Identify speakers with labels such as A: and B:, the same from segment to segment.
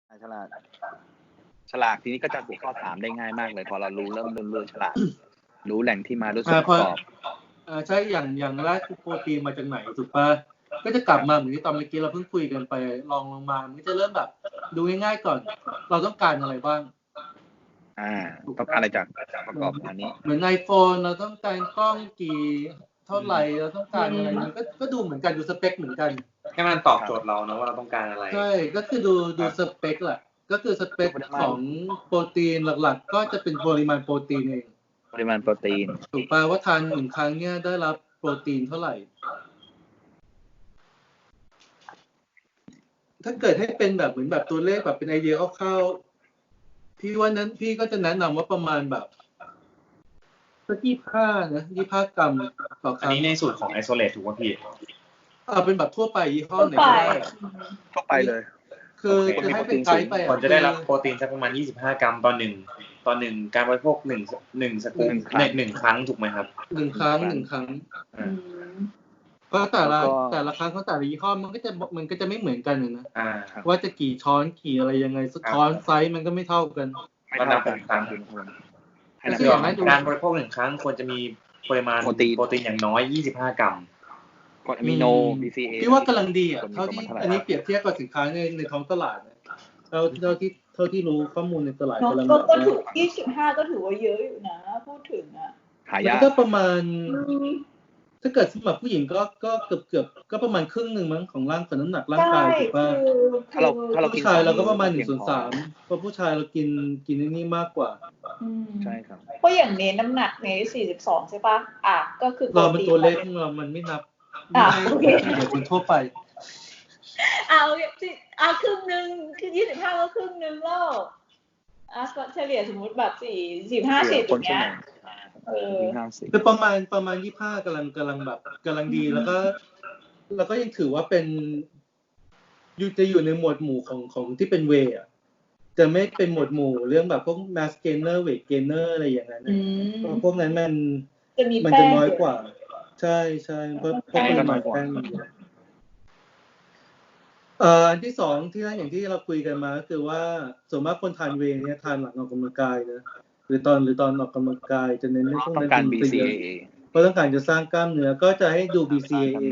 A: ฉลากทีนี้ก็จะถูกข้อถามได้ง่ายมากเลยพอเรารู้เริ่มฉลากรู้แหล่งที่มารู้ส่วนประกอบ
B: ใช่อย่างแรกคือโปรตีนมาจากไหนถูกป่ะก็จะกลับมาเหมือนที่ตอนเมื่อกี้เราเพิ่งคุยกันไปลงมามันจะเริ่มแบบดูง่ายๆก่อนเราต้องการอะไรบ้าง
A: ต้องการอะไรจากประกอบอันนี้
B: เหมือน iPhone เราต้องการกล้องกี่เท่าไหร่เราต้องการอะไรมันก็ดูเหมือนกันดูสเปคเหมือนกัน
C: ให้มันตอบโจทย์เรานะว่าเราต้องการอะไร
B: ใช่ก็คือดูสเปคแหละก็คือสเปคของโปรตีนหลักๆก็จะเป็นปริมาณโปรตีนเอง
A: ปริมาณโปรตีน
B: ถูกป่ะว่าทาน1ครั้งเนี่ยได้รับโปรตีนเท่าไหร่ถ้าเกิดให้เป็นแบบเหมือนแบบตัวเลขแบบเป็นไอเดียคร่าวๆพี่ว่านั้นพี่ก็จะแนะนำว่าประมาณแบบสัก25นะ25 กรัมต่อครั้ง
C: อันนี้ในสูตรของไอโซเลตถูกป่ะพี่
B: เป็นแบบทั่วไปยี่ห้อไหนก็ได้
A: ทั่วไปเลย
B: คือจะให้เป็นไกด์ไป
C: คนจะได้รับโปรตีนสักประมาณ25 กรัมต่อ1การบริโภค1สกู๊ป1ครั้งถูกไหมครับ
B: 1ครั้งเพราะแต่ละครั้งของแต่ละยี่ห้อมันก็จะไม่เหมือนกันนะว่าจะกี่ช้อนกี่อะไรยังไงช้อนไซส์มันก็ไม่เท่ากัน
C: ก็นับเป็นครั้งการบริโภค1ครั้งควรจะมีปริมาณโปรตีนอย่างน้อย25 กรัม
A: กรดอะมิโน BCA
B: พี่ว่ากำลังดีเท่าที่อันนี้เปรียบเทียบกับสินค้าในท้องตลาดเท่าที่รู้ข้อมูลในตลาดกำลัง
D: ก็ถูก25ก็ถือว่าเยอะอยู่นะพูดถึง
B: มันก็ประมาณถ้าเกิดสำหรับผู้หญิงก็เกือบก็ประมาณครึ่งนึงมั้งของน้ำหนักร่างกายถูกป่ะ
A: ถ้าเรา
B: ผู้ชายเราก็ประมาณ1/3เพราะผู้ชายเรากินนี่มากกว่า
A: ใช่ครับ
D: เพราะอย่างนี้น้ำหนักใน42ใช่ป่ะก็คือ
B: เราเป็นตัวเล็กมันไม่นับ
D: โอเค
B: เป็นทั่วไป
D: ครึ่งนึงคือ25ก็ครึ่งนึงแล้วก็เฉลี่ยสมมุติแบบ45-50อย่างเงี้ย
B: คือประมาณ25กำลังแบบกำลังดีแล้วก็ยังถือว่าเป็นจะอยู่ในหมวดหมู่ของที่เป็นเวย์จะไม่เป็นหมวดหมู่เรื่องแบบพวก mass gainer weight gainer อะไรอย่างนั้นพวกนั้นมันจะน้อยกว่าใช่เพราะปริมาณแป้งอันที่สองที่อย่างที่เราคุยกันมาก็คือว่าส่วนมากคนทานเวย์เนี่ยทานหลังออกกำลังกายนะหรือตอนออกกำลังกายจะเน้นในพวกนั้น
A: เป็น BCAA
B: เพราะต้องการจะสร้างกล้ามเนื้อก็จะให้ดู BCAA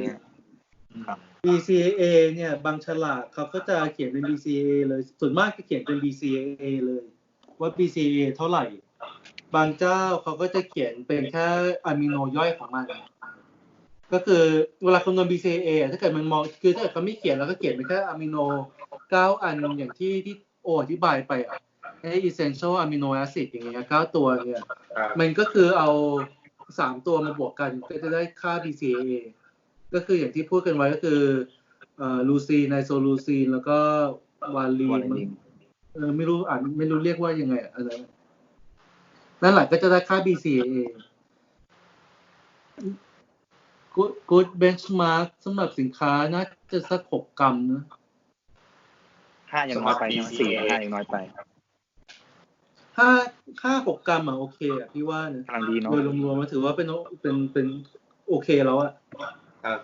B: BCAA เนี่ยบางฉลากเขาก็จะเขียนเป็น BCAA เลยส่วนมากจะเขียนเป็น BCAA เลยว่า BCAA เท่าไหร่บางเจ้าเขาก็จะเขียนเป็นแค่อะมิโนย่อยของมันก็คือเวลาคำนวณ BCAA ถ้าเกิดมันมองคือถ้าเกิดเขาไม่เขียนแล้วก็เขียนเป็นแค่อะมิโน9อันอย่างที่อธิบายไปessential amino acid อย่างเงี้ย9ตัวเนี่ยมันก็คือเอา3ตัวมาบวกกันก็จะได้ค่า BCAA ก็คืออย่างที่พูดกันไว้ก็คือลูซีนไนโซลูซีนแล้วก็วาลีนไม่รู้เรียกว่ายังไงอะไรนั่นแหละก็จะได้ค่า BCAA good benchmark สำหรับสินค้าน่าจะสัก6 กรัมนะ
A: 5ยังน้อยไป4 5ยังน้อยไป
B: 6 กรัมโอเคพี่ว่านะ
A: กำลังดีเนาะ
B: โดยรวมๆมาถือว่าเป็นโอเคแล้ว
C: ครับ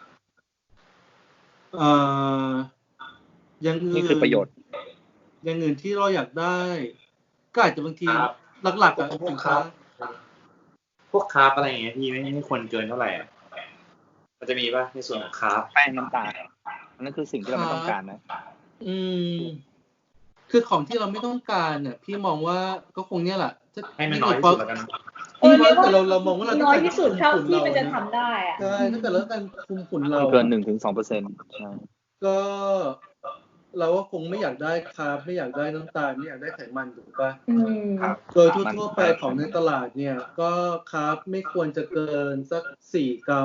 B: อย่างอื่น
A: นี่คือประโยชน์
B: อย่างอื่นที่เราอยากได้ก็อาจจะบางทีหลักๆสินค้า
C: พวกคาร์บอะไรอย่างเงี้ยพี่ไม่ควรเกินเท่าไหร่มันจะมีป่ะในส่วนของคาร์บ
A: แป้งน้ำตาลนั่นคือสิ่งที่เราไม่ต้องการนะ
B: คือของที่เราไม่ต้องการเนี่ยพี่มองว่าก็คงเนี่ยแหละ
C: ให้มันน้อยที่สุดแล้วกัน
B: แต่เรามองว่าเรา
D: น้อยที่สุดเท่าที่มันจะทำได้
B: ใช่ถ้าเกิดเราการคุมฝุ่นเรา
A: เกิน 1-2% ใช่
B: ก็เราก็คงไม่อยากได้คาร์บไม่อยากได้น้ำตาลไม่อยากได้ไขมันถูกป่ะโดยทั่วไปของในตลาดเนี่ยก็คาร์บไม่ควรจะเกินสัก4 กรัม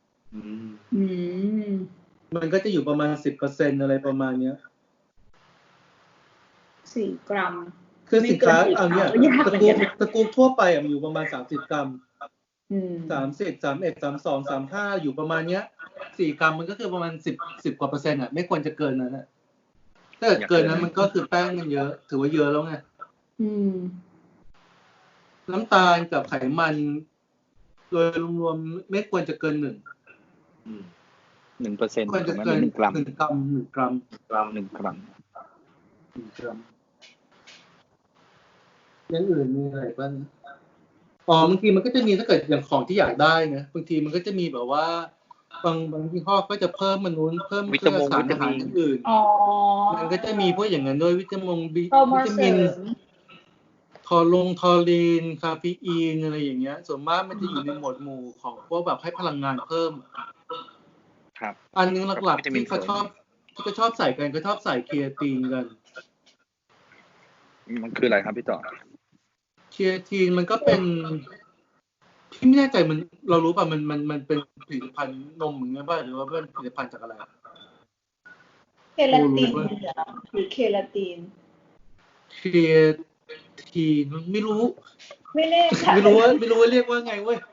B: มันก็จะอยู่ประมาณ 10% อะไรประมาณเนี้ย
D: 4 กรัม
B: คือสินค้าเอาเนี่ยตระกูลทั่วไปมันอยู่ประมาณ30 กรัม30 31 32 35อยู่ประมาณเนี้ย4 กรัมมันก็คือประมาณ10กว่า%ไม่ควรจะเกินนั้นถ้าเกินนั้นมันก็คือแป้งมันเยอะถือว่าเยอะแล้วไงน้ำตาลกับไขมันโดยรวมๆไม่ควรจะเกิน
A: 1%
B: ควรจะเกิน1 กรัม
A: 1 กรัม
B: อย่างอื่นมีอะไรบ้างบางทีมันก็จะมีถ้าเกิดอย่างของที่อยากได้นะบางทีมันก็จะมีแบบว่าบางยี่ห้อก็จะเพิ่มมันนู้นเพิ่มเพื่อสารอาหารอื่นมันก็จะมีพวกอย่างนั้นด้วยวิตามินทอรีนคาเฟอีนอะไรอย่างเงี้ยส่วนมากมันจะอยู่ในหมวดหมู่ของพวกแบบให้พลังงานเพิ่ม
A: ครับ
B: อันนึงหลักๆที่เขาชอบใส่กันก็ชอบใส่ครีเอตินกัน
A: มันคืออะไรครับพี่ต่อ
B: ครีเอตินมันก็เป็นพี่ไม่แน่ใจมันเรารู้ป่ะมันเป็นผลิตภัณฑ์นมอย่างเงี้ยป่ะหรือว่าเป็นผลิตภัณฑ์จากอะไร
D: เคลาตินหรือเคลาติน
B: ครีเอตินไม่รู้
D: ไม่แน่ใจ
B: ไม่รู้ว่าเรียกว่าไงเว้ย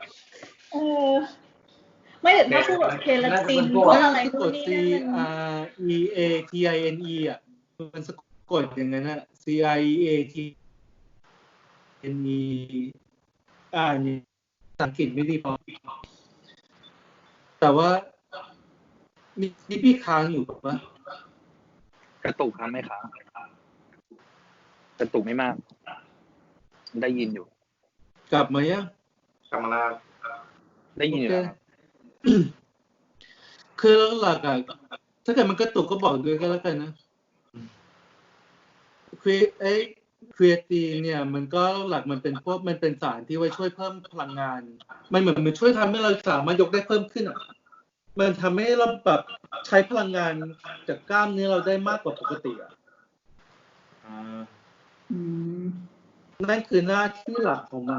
D: ไม่ถึงถ้าพูดเคลาตินก็อะไรพวกนี้
B: นะCREATINE อ่ะมันสะกดอย่างนั้นน่ะ CREATINE นี่สังเกตไม่ดีพอแต่ว่ามีพี่ค้างอยู่ป่ะ
A: กระตุกครับไม่ค้างกระตุกไม่มากได้ยินอยู่
B: กลับมายัง
C: กลับมาแล้ว
A: ได้ยินอยู่
B: คือหลักอ่ะถ้าเกิดมันกระตุกก็บอกด้วยก็แล้วกันนะครีเอตินเนี่ยมันก็หลักมันเป็นสารที่ไว้ช่วยเพิ่มพลังงานมันเหมือนมันช่วยทำให้เราสามารถยกได้เพิ่มขึ้นอ่ะมันทำให้เราแบบใช้พลังงานจากกล้ามเนื้อเราได้มากกว่าปกติอ่ะนั่นคือหน้าที่หลักของ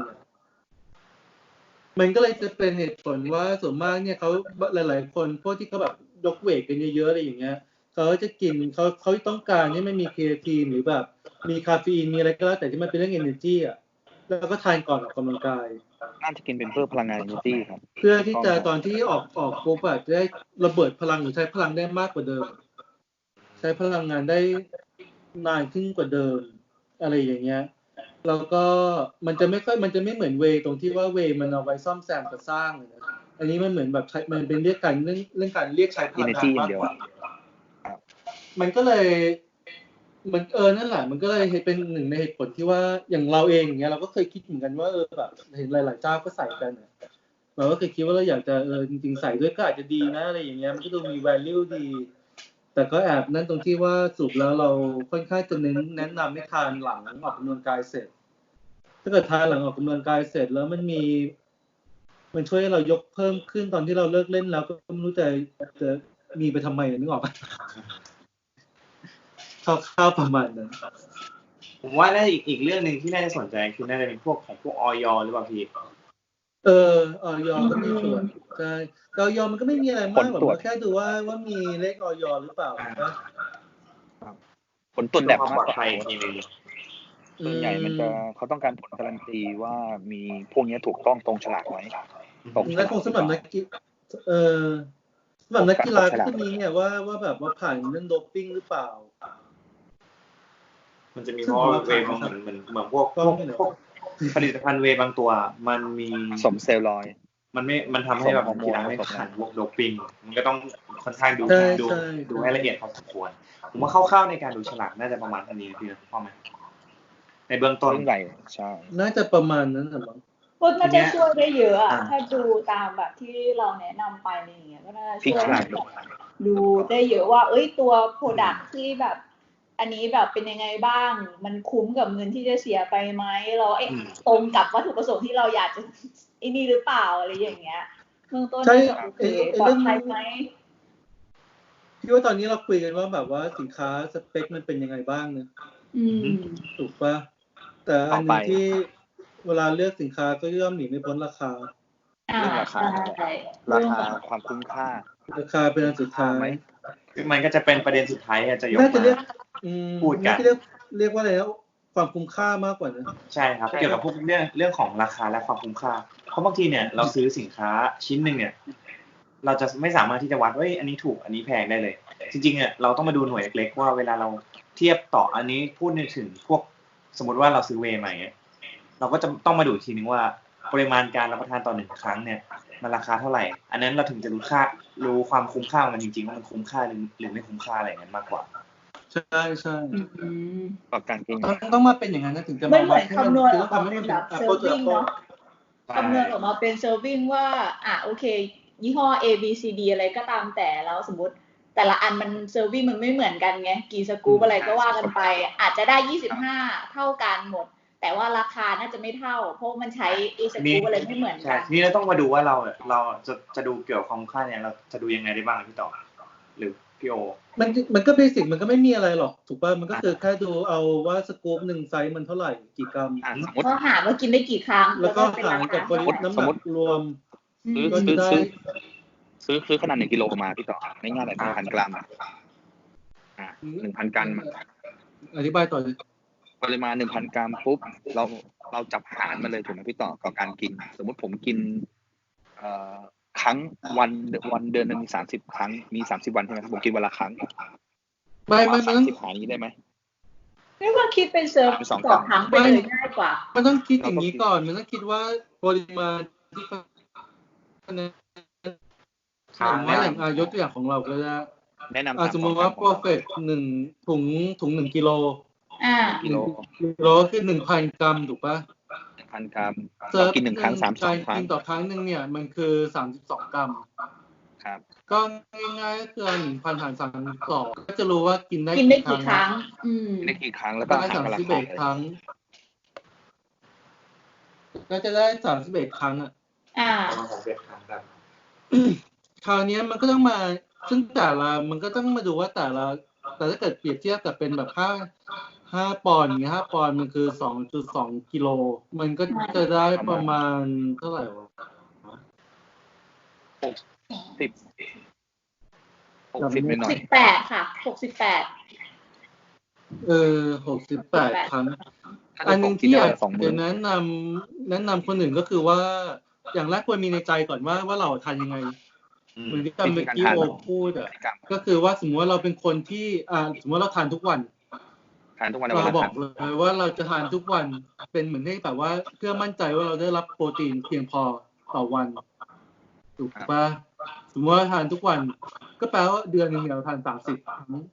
B: มันก็เลยจะเป็นเหตุผลว่าส่วนมากเนี่ยเขาหลายๆคนพวกที่เขาแบบยกเวทกันเยอะๆอะไรอย่างเงี้ยเขาจะกินเขาต้องการที่ไม่มีครีเอทีนหรือแบบมีคาเฟอีนมีอะไรก็แล้วแต่ที่มันเป็นเรื่อง energy อ่ะแล้วก็ทานก่อนออกกำลังกาย
A: น่าจะกินเป็นเพื่อพลังงาน energy ครับ
B: เพื่อที่จะตอนที่ออกปุ๊บอ่ะจะได้ระเบิดพลังหรือใช้พลังได้มากกว่าเดิมใช้พลังงานได้นานขึ้นกว่าเดิมอะไรอย่างเงี้ยแล้วก็มันจะไม่เหมือนเวตรงที่ว่าเวมันเอาไว้ซ่อมแซมกับสร้างนะอันนี้มันเหมือนแบบมันเป็นเรื่องการเรียกใช้พลังงานมากกว่ามันก็เลยมันนั่นแหละมันก็เลยเป็นหนึ่งในเหตุผลที่ว่าอย่างเราเองอย่างเงี้ยเราก็เคยคิดเหมือนกันว่าแบบเห็นหลายๆเจ้าก็ใส่กันเราก็เคยคิดว่าเราอยากจะจริงๆใส่ด้วยก็อาจจะดีนะอะไรอย่างเงี้ยมันก็ดูมี value ดีแต่ก็แอบนั่นตรงที่ว่าสุดแล้วเราค่อนข้างจะแนะนำให้ทานหลังออกกำลังกายเสร็จถ้าเกิดทานหลังออกกำลังกายเสร็จแล้วมันช่วยให้เรายกเพิ่มขึ้นตอนที่เราเลิกเล่นแล้วก็ไม่รู้จะมีไปทำไมนึกออกป่ะข้าวประมาณนั้น
C: ผมว่าน่าอีกเรื่องนึงที่น่าจะสนใจคือน่าจะเป็นพวกของพวกอย.หรือเปล่าพี่
B: อย.ก็มีส่วนใช่อย.มันก็ไม่มีอะไรมากแบบว่าแค่ดูว่ามีเลขอย.หรือเปล่านะ
A: ผลตรวจแบบมากกว่า
C: ส่
A: วนใหญ่มันจะเขาต้องการผลการันตีว่ามีพวกนี้ถูกต้องตรงฉลากไหม
B: ตรงฉลากสำหรับนักกีฬาก็จะมีเนี่ยว่าแบบว่าผ่านเรื่องโดปปิ้งหรือเปล่า
C: มันจะมีเพราะเวย์เหมือนพวกผลิตภัณฑ์เวย์บางตัวมันมี
A: สมเซลลอย
C: มันทำให้แบบกีฬาไม่ผ่านพวกโดปปิ้งมันก็ต้องค่อนข้างดูให้ละเอียดพอสมควรผมว่าคร่าวๆในการดูฉลากน่าจะประมาณนี้พี่พอไหมในเบื้องต้น
A: ใหญ่ใช่
B: น่าจะประมาณนั้นนะมั้ง
D: ก็น่าจะช่วยได้เยอะอ่ะถ้าดูตามแบบที่เราแนะนำไปอะไรอย่างเงี้ยก็น่าช่วยดูได้เยอะว่าตัวโปรดักต์ที่แบบอันนี้แบบเป็นยังไงบ้างมันคุ้มกับเงินที่จะเสียไปไหมเราตรงกับวัตถุประสงค์ที่เราอยากจะนี่หรือเปล่าอะไรอย่างเงี้ยเบื้องต้นจะโอเคปลอดภัยไหม
B: พี่ว่าตอนนี้เราคุยกันว่าแบบว่าสินค้าสเปคมันเป็นยังไงบ้างเนี่ยถูกป่ะแต่อันนึงที่เวลาเลือกสินค้าก็ย่อมหนีไม่พ้นราคา
A: เรื่องราคาความคุ้มค่า
B: ราคาเป็นอันสุดท้าย
C: คือมันก็จะเป็นประเด็นสุดท้ายจะยกมาพูดกัน
B: เรียกว่าอะไรแล้วความคุ้มค่ามากกว่านั้น
C: ใช่ครับเกี่ยวกับพวกเรื่องของราคาและความคุ้มค่าเพราะบางทีเนี่ยเราซื้อสินค้าชิ้นนึงเนี่ยเราจะไม่สามารถที่จะวัดว่าอันนี้ถูกอันนี้แพงได้เลยจริงๆเนี่ยเราต้องมาดูหน่วยเล็กๆว่าเวลาเราเทียบต่ออันนี้พูดถึงพวกสมมติว่าเราซื้อเวย์ใหม่เราก็จะต้องมาดูทีนึงว่าปริมาณการรับประทานต่อ1ครั้งเนี่ยมันราคาเท่าไหร่อันนั้นเราถึงจะรู้ความคุ้มค่ามันจริงๆว่ามันคุ้มค่าหรือไม่คุ้มค่าอะไรอย่างนั้นมากกว่า
B: ใช่ใช่
A: ต่อการกิน
B: ต้องมาเป็นอย่างนั้นนะถึงจะ
D: ไม่
B: มา
D: เหมื
B: วั
D: อ
B: ด
D: น
B: ให้มัน
D: คำนวณ
B: คือ
D: อ
B: ต้
D: อ
B: อก ง
D: มา
B: ทำให้
D: เป็
B: มัน น
D: แบ
B: เป็น
D: บ
B: apple to
D: serving
B: apple
D: เนาะคำนวณออกมาเป็น serving ว่าโอเคยี่ห้อ A B C D อะไรก็ตามแต่แล้วสมมติแต่ละอันมัน serving มันไม่เหมือนกันไงกี่สกู๊ปอะไรก็ว่ากันไปอาจจะได้25เท่ากันหมดแต่ว่าราคาน่าจะไม่เท่าเพราะมันใช้สกู๊ปอะไรไม่เหมือน
C: ใช่
D: กัน
C: ทีนี้เราต้องมาดูว่าเราจะดูเกี่ยวกับความคุ้มค่าเนี่ยเราจะดูยังไงได้บ้างพี่ต่อหรือพี่โอ
B: มันก็เบสิกมันก็ไม่มีอะไรหรอกถูกป่ะมันก็คือแค่ดูเอาว่าสกู๊ปหนึ่งไซส์มันเท่าไหร่กี่กรัม
A: สมมติ
D: ก็หาว่ากินได้กี่ครั้ง
B: แล้วก็หารกับปริมาณน้ำหนักรวม
A: ซื้อขนาด1 กิโลมาพี่ต่อง่ายๆเลย 1,000 กรัม1,000 กรัม
B: อธิบายต่อเลย
A: ปริมาณ 1,000 กรัมปุ๊บเราจับหารมาเลยถูกไหมพี่ต่อกับการกินสมมติผมกินครั้งวันเดือนนึงมี30ครั้งมี30วันใช่ไหมผมกินวันละครั้ง
B: ไม่
A: 30หารนี้ได้ไหม
D: ไม่ว่าคิดเป็นเซิร์ฟต่อครั้งไปเลยง่ายกว่า
B: มันต้องคิดอย่างนี้ก่อนมันต้องคิดว่าปริมาณที่ว่าแหล่งยกตัวอย่างของเราก็จะ
A: แนะนำ
B: สมมติว่า perfect 1ถุง1กิโล
A: กิโล
B: คือ 1,000 กรัมถูกป่ะ
A: 1,000 กรัมเรากิน1ครั้ง32ครั้ง
B: กินต่อครั้งนึงเนี่ยมันคือ32กรัม
A: ครับ
B: ก็ง่ายๆก็คือ 1,000 หาร32ก็จะรู้ว่ากินได้
D: กี่ครั้ง
A: ได้กี่ครั้งแล้วก็หารราคา
B: 31ครั้งก็จะได้31ครั้ง
C: 31ครั้งครับ
B: คราวนี้มันก็ต้องมาซึ่งแต่ละมันก็ต้องมาดูว่าแต่ถ้าเกิดเปรียบเทียบกับเป็นแบบ5ปอนด์อย่างเงี้ย5ปอนด์มันคือ 2.2 กิโลมันก็จะได้ประมาณเท่าไหร่วะ
A: 60หน่อย
D: 68ค่ะ68
B: 68ครั้งอันนึงที่อยากจะแนะนำคนอื่นก็คือว่าอย่างแรกควรมีในใจก่อนว่าเราทานยังไงเหมือนที่เมื่อกี้โอพูดก็คือว่าสมมติว่าเราเป็นคนที่สมมติเราทานทุกวันเราบอกเลยว่าเราจะทานทุกวันเป็นเหมือนให้แบบว่าเพื่อมั่นใจว่าเราได้รับโปรตีนเพียงพอต่อวันถูกป่ะสมมติว่าทานทุกวันก็แปลว่าเดือนนึงเราทาน30ครั้ง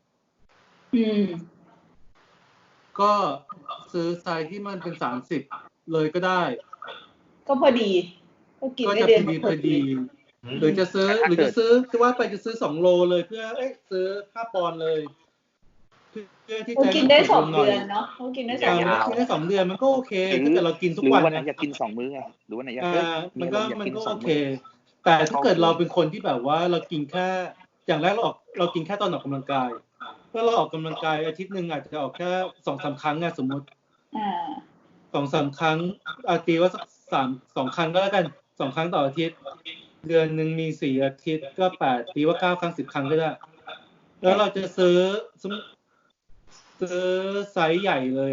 B: ก็ซื้อไซส์ที่มันเป็น30เลยก็ได้
D: ก็พอดีก็กินได้เดือน
B: พอดีหรือจะซื้อคือว่าไปจะซื้อ2โลเลยเพื่อซื้อ5ปอนด์เลยเพื่อที่จะ
D: กินได้2เดือนเนาะกินได้2
B: เดือนมันก็โอเคถ้าเกิดเรากินทุกวัน
A: อยากกิน2มื้อไงหรือว่าไหนอยาก
B: มันก็โอเคแต่ถ้าเกิดเราเป็นคนที่แบบว่าเรากินแค่อย่างแรกเรากินแค่ตอนออกกำลังกายถ้าเราออกกำลังกายอาทิตย์นึงอาจจะออกแค่ 2-3 ครั้งสมมติ2-3 ครั้งตีว่าสัก2ครั้งก็แล้วกัน2ครั้งต่ออาทิตย์เดือนนึงมี4อาทิตย์ก็8ตีว่า9ครั้ง10ครั้งก็ได้แล้วเราจะซื้อไซส์ใหญ่เลย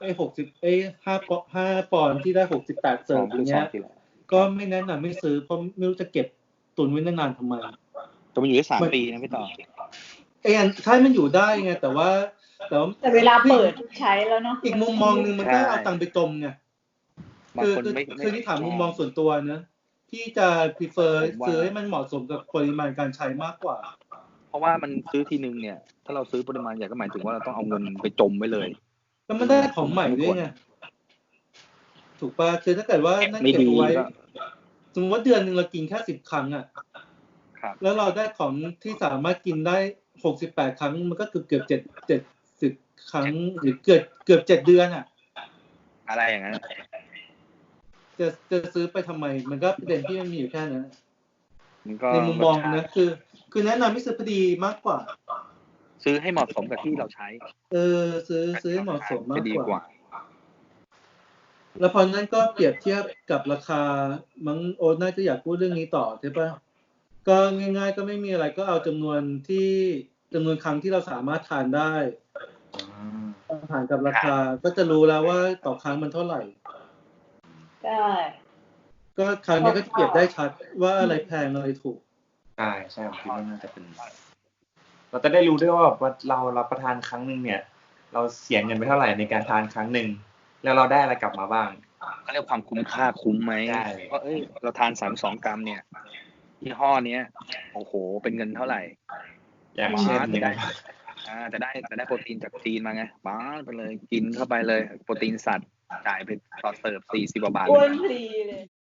B: 5ปอนด์ที่ได้68เสิร์ฟอย่างเงี้ยก็ไม่แนะนำไม่ซื้อเพราะไม่รู้จะเก็บตุนไว้นานๆทำไม
A: จะมันอยู่ได้3ปีนะพี่ต่อ
B: ใช่มันอยู่ได้ไงแต่
D: เวลาเปิดใช้แล้วเนาะ
B: อีกมุมมองนึงมันก็เอาตังค์ไปจมไงคือที่ถามมุมมองส่วนตัวนะที่จะ prefer ซื้อให้มันเหมาะสมกับปริมาณการใช้มากกว่า
A: เพราะว่ามันซื้อทีนึงเนี่ยถ้าเราซื้อปริมาณใหญ่ก็หมายถึงว่าเราต้องเอาเงินไปจมไว้เลย
B: แล้วมันได้ของใหม่ด้วยไงถูกป่ะคือถ้าเกิดว่านั่นเก็บไว้สมมติว่าเดือนนึงเรากินแค่10ครั้งแล้วเราได้ของที่สามารถกินได้68ครั้งมันก็เกือบ70ครั้งหรือเกือบ7เดือน
A: อะไรอย่างนั้น
B: จะซื้อไปทำไมมันก็ประเด็นที่มันมีอยู่แค่นั้นในมุมมองนะคือแนะนำให้ซื้อพอดีมากกว่า
A: ซื้อให้เหมาะสมกับที่เราใช้
B: ซื้อให้เหมาะสมมากกว่าแล้วพอนั้นก็เปรียบเทียบกับราคามั้งโอ๊ตน่าจะอยากพูดเรื่องนี้ต่อใช่ป่ะก็ง่ายๆก็ไม่มีอะไรก็เอาจำนวนครั้งที่เราสามารถทานได้หารกับราคาก็จะรู้แล้วว่าต่อครั้งมันเท่าไหร่
D: ได้
B: ก็ครั้งนี้ก็เปรียบได้ชัดว่าอะไรแพงอะไรถูก
C: ใช่ผมคิดว่าน่าจะเป็นเราจะได้รู้ด้วยว่าเรารับประทานครั้งนึงเนี่ยเราเสียเงินไปเท่าไหร่ในการทานครั้งนึงแล้วเราได้อะไรกลับมาบ้าง
A: เขาเรียกความคุ้มค่าคุ้มไหมว่าเราทาน32กรัมเนี่ยยี่ห้อเนี้ยโอ้โหเป็นเงินเท่าไหร่
C: อย่างเช่น
A: จะได้โปรตีนจากจีนมาไงป้าไปเลยกินเข้าไปเลยโปรตีนสัตว์จ่ายไปต่อเสิร์ฟ40 กว่าบาท
D: อ้วนพลีเลย